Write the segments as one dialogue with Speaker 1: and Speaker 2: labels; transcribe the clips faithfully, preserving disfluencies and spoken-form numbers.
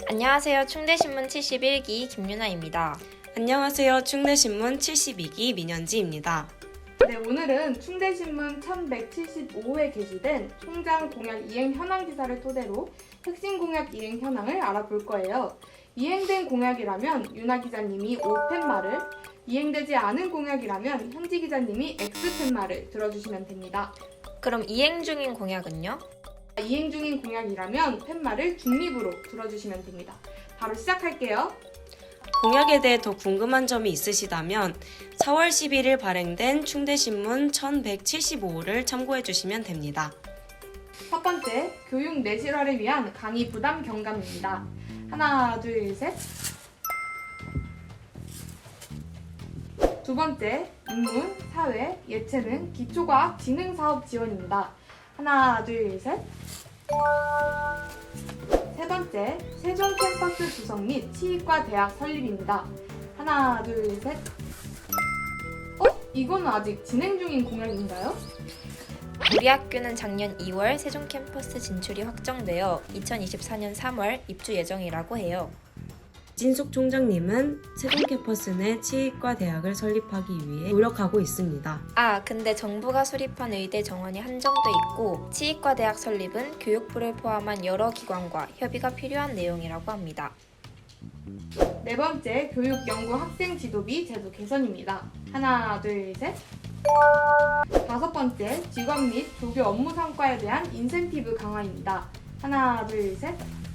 Speaker 1: 안녕하세요. 충대신문 칠십일 기 김유나입니다.
Speaker 2: 안녕하세요. 충대신문 칠십이 기 민현지입니다.
Speaker 3: 네, 오늘은 충대신문 천백칠십오 회 게시된 총장 공약 이행 현황 기사를 토대로 핵심 공약 이행 현황을 알아볼 거예요. 이행된 공약이라면 유나 기자님이 O 팻말을, 이행되지 않은 공약이라면 현지 기자님이 X 팻말을 들어주시면 됩니다.
Speaker 1: 그럼 이행 중인 공약은요?
Speaker 3: 이행 중인 공약이라면 팻말을 중립으로 들어주시면 됩니다. 바로 시작할게요.
Speaker 2: 공약에 대해 더 궁금한 점이 있으시다면 사월 십일일 발행된 충대신문 천백칠십오 호를 참고해 주시면 됩니다.
Speaker 3: 첫 번째, 교육 내실화를 위한 강의 부담 경감입니다. 하나, 둘, 셋. 두 번째, 인문, 사회, 예체능, 기초과학 진흥사업 지원입니다. 하나, 둘, 셋. 세 번째, 세종 캠퍼스 조성 및 치익과 대학 설립입니다. 하나, 둘, 셋. 어? 이건 아직 진행 중인 공약인가요?
Speaker 1: 우리 학교는 작년 이월 세종 캠퍼스 진출이 확정되어 이천이십사 년 삼월 입주 예정이라고 해요.
Speaker 2: 진숙 총장님은 세종 캠퍼스 내 치익과 대학을 설립하기 위해 노력하고 있습니다.
Speaker 1: 아, 근데 정부가 수립한 의대 정원이 한정돼 있고 치익과 대학 설립은 교육부를 포함한 여러 기관과 협의가 필요한 내용이라고 합니다.
Speaker 3: 네 번째, 교육 연구 학생 지도비 제도 개선입니다. 하나, 둘, 셋. 다섯 번째, 직업 및 조교 업무 성과에 대한 인센티브 강화입니다. 하나, 둘, 셋.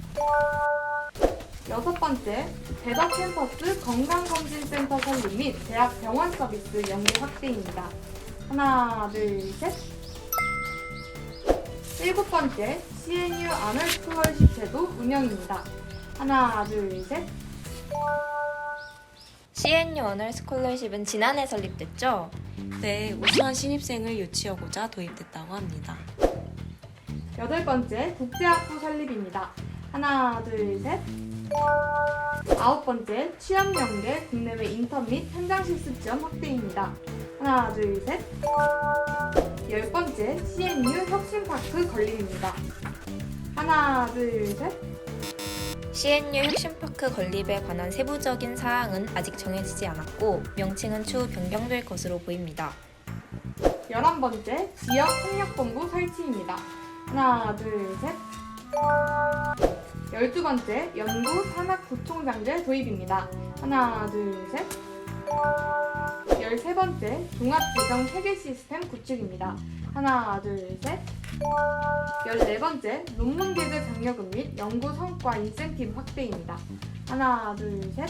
Speaker 3: 여섯 번째, 대덕 캠퍼스 건강검진센터 설립 및 대학 병원 서비스 연계 확대입니다. 하나, 둘, 셋. 일곱 번째, 씨엔유 아널 스콜러십 제도 운영입니다. 하나, 둘, 셋.
Speaker 1: 씨엔유 어널 스콜러십은 지난해 설립됐죠?
Speaker 2: 네, 우수한 신입생을 유치하고자 도입됐다고 합니다.
Speaker 3: 여덟 번째, 국제학부 설립입니다. 하나, 둘, 셋. 아홉 번째, 취업 연계 국내외 인턴 및 현장 실습 지원 확대입니다. 하나, 둘, 셋. 열 번째, 씨엔유 혁신파크 건립입니다. 하나, 둘, 셋.
Speaker 1: 씨엔유 혁신파크 건립에 관한 세부적인 사항은 아직 정해지지 않았고 명칭은 추후 변경될 것으로 보입니다.
Speaker 3: 열한 번째, 지역 협력본부 설치입니다. 하나, 둘, 셋. 열두 번째, 연구 산학부총장제 도입입니다. 하나, 둘, 셋. 열세 번째, 종합재정 체계 시스템 구축입니다. 하나, 둘, 셋. 열네 번째, 논문 게재 장려금 및 연구 성과 인센티브 확대입니다. 하나, 둘, 셋.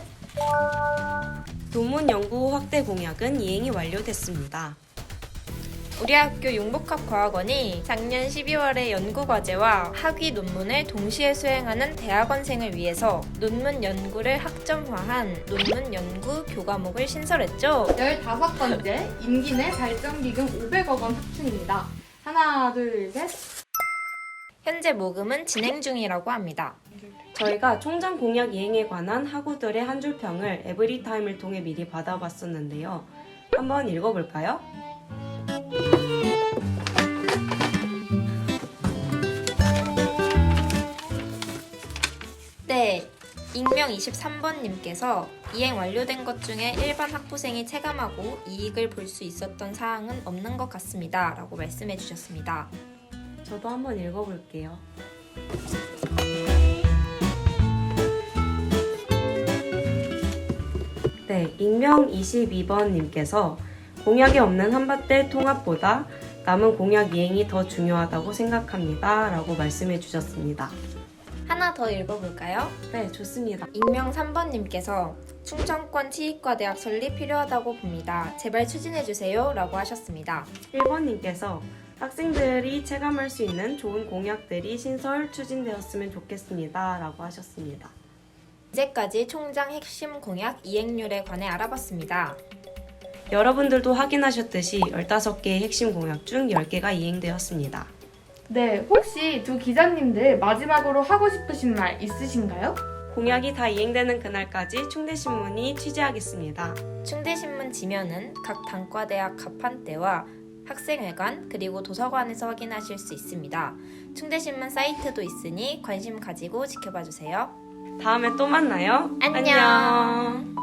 Speaker 2: 논문 연구 확대 공약은 이행이 완료됐습니다.
Speaker 1: 우리 학교 융복합과학원이 작년 십이월에 연구과제와 학위 논문을 동시에 수행하는 대학원생을 위해서 논문 연구를 학점화한 논문 연구 교과목을 신설했죠.
Speaker 3: 열다섯 번째, 임기 내 발전기금 오백억 원 확충입니다. 하나, 둘, 셋.
Speaker 1: 현재 모금은 진행 중이라고 합니다.
Speaker 2: 저희가 총장 공약 이행에 관한 학우들의 한 줄 평을 에브리타임을 통해 미리 받아봤었는데요. 한번 읽어볼까요?
Speaker 1: 네, 익명 이십삼 번님께서 이행 완료된 것 중에 일반 학부생이 체감하고 이익을 볼 수 있었던 사항은 없는 것 같습니다. 라고 말씀해 주셨습니다.
Speaker 2: 저도 한번 읽어볼게요. 네, 익명 이십이 번님께서 공약이 없는 한밭대 통합보다 남은 공약 이행이 더 중요하다고 생각합니다. 라고 말씀해 주셨습니다.
Speaker 1: 하나 더 읽어볼까요?
Speaker 2: 네, 좋습니다.
Speaker 1: 익명 삼 번님께서 충청권 치익과 대학 설립 필요하다고 봅니다. 제발 추진해주세요. 라고 하셨습니다.
Speaker 2: 일 번님께서 학생들이 체감할 수 있는 좋은 공약들이 신설 추진되었으면 좋겠습니다. 라고 하셨습니다.
Speaker 1: 이제까지 총장 핵심 공약 이행률에 관해 알아봤습니다.
Speaker 2: 여러분들도 확인하셨듯이 열다섯 개의 핵심 공약 중 열 개가 이행되었습니다.
Speaker 3: 네, 혹시 두 기자님들 마지막으로 하고 싶으신 말 있으신가요?
Speaker 2: 공약이 다 이행되는 그날까지 충대신문이 취재하겠습니다.
Speaker 1: 충대신문 지면은 각 단과대학 가판대와 학생회관 그리고 도서관에서 확인하실 수 있습니다. 충대신문 사이트도 있으니 관심 가지고 지켜봐주세요.
Speaker 2: 다음에 또 만나요.
Speaker 1: 안녕.